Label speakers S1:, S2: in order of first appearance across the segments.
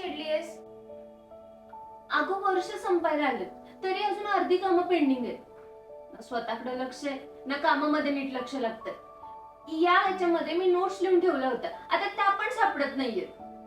S1: चिडलीयस? अगं वर्ष संपायला आलं तरी अजून अर्धी कामं पेंडिंग आहेत. ना स्वतःकडे लक्ष आहे ना कामामध्ये नीट लक्ष लागतं. या ह्याच्यामध्ये मी नोट्स लिहून ठेवल्या होत्या, आता त्या पण सापडत नाहीयेत.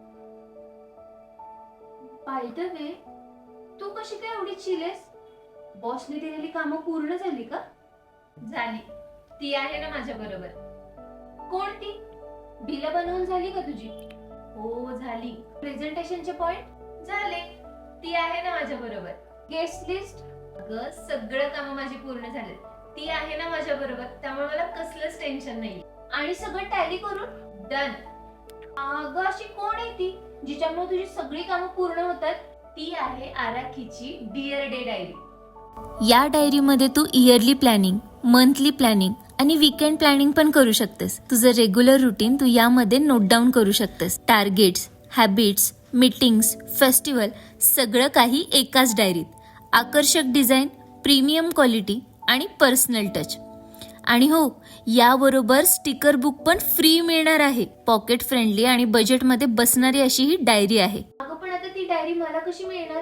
S1: बाय द वे, तू कशी काय एवढी चिलेस? बॉसने दिलेली कामं पूर्ण झाली का?
S2: झाली. ती आहे ना माझ्या बरोबर.
S1: कोणती? बिलं बनवून झाली का तुझी?
S2: हो झाली.
S1: प्रेझेंटेशनचे पॉइंट
S2: झाले. ती आहे ना माझ्या बरोबर.
S1: Guest list?
S2: अगं सगळं कामं माझी पूर्ण झाले. ती आहे ना माझ्या बरोबर, त्यामुळे मला कसलंच टेन्शन नाही.
S1: आणि सगळं टॅली करून?
S2: डन.
S1: अगं अशी कोण आहे ती जिच्यामुळे तुझी सगळी कामं पूर्ण होतात?
S2: ती आहे आराखीची डिअर डे डायरी.
S3: या डायरीमध्ये तू इयरली प्लॅनिंग, मंथली प्लॅनिंग आणि वीकेंड प्लॅनिंग पण करू शकतेस. तुझं रेग्युलर रुटीन तू यामध्ये नोट डाऊन करू शकतेस. टार्गेट्स, हॅबिट्स, मीटिंग्स, फेस्टिवल सगळं काही एकाच डायरीत. आकर्षक डिझाईन, प्रीमियम क्वालिटी आणि पर्सनल टच. आणि हो, याबरोबर स्टिकर बुक पण फ्री मिळणार आहे. पॉकेट फ्रेंडली आणि बजेटमध्ये बसणारी अशी ही डायरी आहे.
S1: अगं पण आता ती डायरी मला कशी मिळणार?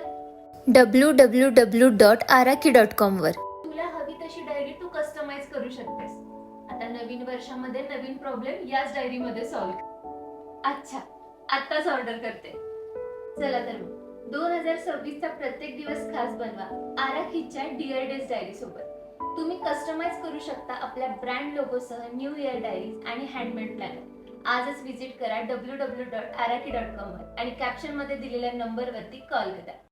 S3: www.araki.com वर.
S1: तुला हवी तशी डायरी तू कस्टमाइज करू शकतेस. आता नवीन वर्षामध्ये नवीन प्रॉब्लेम याच डायरी मध्ये सॉल्व्ह. अच्छा, आत्ताच ऑर्डर करते. चला तर मग 2026 चा प्रत्येक दिवस खास बनवा आराखीच्या डिअर डेज डायरी सोबत. तुम्ही कस्टमाइज करू शकता आपल्या ब्रँड लोगोसह न्यू इयर डायरीज आणि हँडमेड प्लॅनर. आजच विजिट करा www.araki.com वर आणि कॅप्शन मध्ये दिलेल्या नंबरवरती कॉल करा.